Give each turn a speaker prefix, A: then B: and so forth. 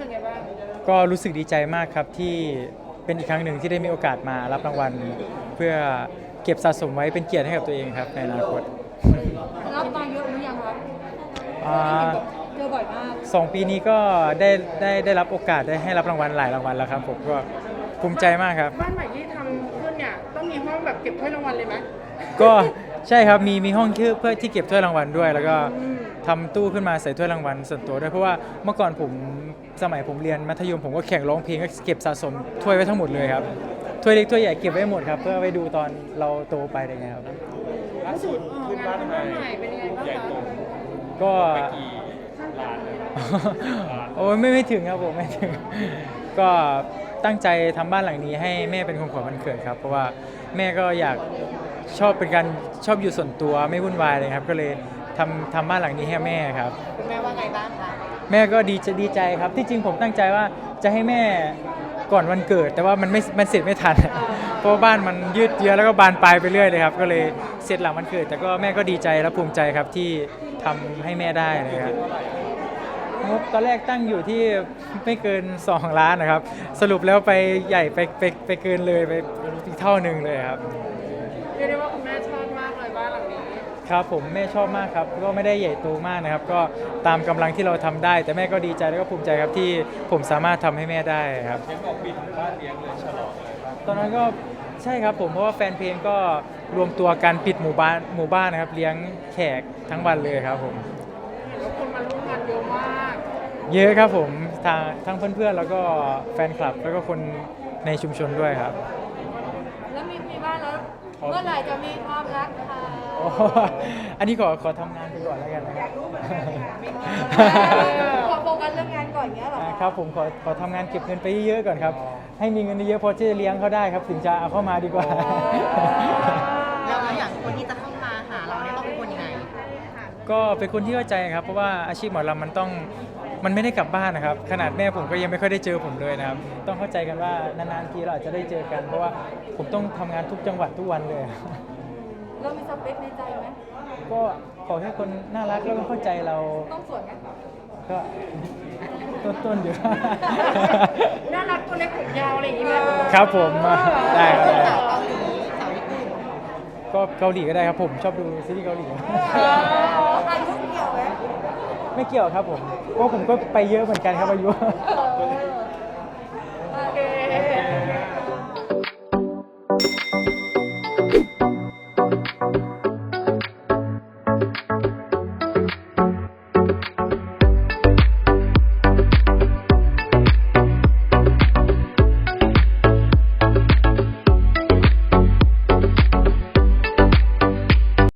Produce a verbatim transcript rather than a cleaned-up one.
A: สึกไงบ้าง
B: ก็รู้สึกดีใจมากครับที่เป็นอีกครั้งหนึ่งที่ได้มีโอกาสมารับรางวัลเพื่อเก็บสะสมไว้เป็นเกียรติให้กับตัวเองครับในอนาคต
A: รับมาเยอะหรือยังครับ
B: อ่า
A: เจอบ่อยมาก
B: สองปีนี้ก็ได้ได้ได้รับโอกาสได้ให้รับรางวัลหลายรางวัลแล้วครับผมก็ภูมิใจมากครับ
A: บ้านใหม่ที่ทำขึ้นเนี่ยต้องมีห้องแบบเก็บถ้วยรางวัลเลยไหม
B: ก็ใช่ครับมีมีห้องที่เพื่อที่เก็บถ้วยรางวัลด้วยแล้วก็ทำตู้ขึ้นมาใส่ถ้วยรางวัลส่วนตัวด้วยเพราะว่าเมื่อก่อนผมสมัยผมเรียนมัธยมผมก็แข่งร้องเพลงก็เก็บสะสมถ้วยไว้ทั้งหมดเลยครับถ้วยเล็กถ้วยใหญ่เก็บไว้หมดครับเพื่อไว้ดูตอนเราโตไปอะไรเงี้ยครับ
C: ล่าสุดขึ้นบ้านใหม่
A: เป็นยังไงบ้าง
C: ใหญ่โต
A: คะ
B: ก็
C: ไปกี่ล้านเลย
B: โอ้ยไม่ไม่ถึงครับผมไม่ถึงก็ตั้งใจทำบ้านหลังนี้ให้แม่เป็นของขวัญวันเกิดครับเพราะว่าแม่ก็อยากชอบเป็นการชอบอยู่ส่วนตัวไม่วุ่นวายเลยครับก็เลยทำทำบ้านหลังนี้ให้แม่ครับ
A: คุณแม่ว่าไงบ้างคะ
B: แม่ก็ดีจะดีใจครับที่จริงผมตั้งใจว่าจะให้แม่ก่อนวันเกิดแต่ว่ามันไม่มันเสร็จไม่ทันเพราะบ้านมันยืดเยื้อแล้วก็บานปลายไปเรื่อยเลยครับก็เลยเสร็จหลังวันเกิดแต่ก็แม่ก็ดีใจและภูมิใจครับที่ทำให้แม่ได้เลยครับงบตอนแรกตั้งอยู่ที่ไม่เกินสองล้านนะครับสรุปแล้วไปใหญ่ไปไปไปเกินเลยไปอีกเท่านึงเลยครับ
A: เรียกได้ว่าคุณแม่ชอบมากเลยบ้านหลังนี้
B: ครับผมแม่ชอบมากครับก็ไม่ได้ใหญ่โตมากนะครับก็ตามกำลังที่เราทำได้แต่แม่ก็ดีใจแล้วก็ภูมิใจครับที่ผมสามารถทำให้แม่ได้ครับ
C: เห็นบอกปิดบ้านเลี้ยงเลยฉลองเลย
B: ตอนนั้นก็ใช่ครับผมเพราะว่าแฟนเพลงก็รวมตัวกันปิดหมู่บ้านหมู่บ้านนะครับเลี้ยงแขกทั้งวันเลยครับผม
A: แล้วคนมาร่วมงานเยอะมาก
B: เยอะครับผมทางทั้งเพื่อนๆแล้วก็แฟนคลับแล้วก็คนในชุมชนด้วยครับ
A: แล้วมีมีบ้านแล้วเมื่อไหร่จะมีความรักคะ
B: อันนี้ขอขอทำงานไปก่อนแล้วกันนะครับ
A: ขอโฟกัสเรื่องงานก่อนเงี้ยหรอ
B: ครับผมขอขอทำงานเก็บเงินไปเยอะๆก่อนครับให้มีเงินเยอะพอที่จะเลี้ยงเขาได้ครับถึงจะเอาเข้ามาดีกว่า
D: แล้วอย่างคนที่จะเข้ามาหาเราเนี่ยต้องเป็นคนยังไง
B: ก็เป็นคนที่เข้าใจครับเพราะว่าอาชีพหมอลำมันต้องมันไม่ได้กลับบ้านนะครับขนาดแม่ผมก็ยังไม่ค่อยได้เจอผมเลยนะครับต้องเข้าใจกันว่านานๆทีเราอาจจะได้เจอกันเพราะว่าผมต้องทำงานทุกจังหวัดทุกวันเลย
A: เรามีสเปคในใจไหม
B: ก็ขอแค่คนน่ารักแล้วก็เข้าใจเรา
A: ต้องสวยไหม
B: ก็ต้นๆอยู่
A: น่ารักตัวเล็กผมยาวอะไรอย่างงี้ไหม
B: ครับผมได้ครับ
D: สาวเกาหลีสาวญี่ปุ่น
B: ก็เกาหลีก็ได้ครับผมชอบดูซีรีส์เกาหลี
A: อายุเกี่ยวไหม
B: ไม่เกี่ยวครับผมเพราะผมก็ไปเยอะเหมือนกันครับอายุ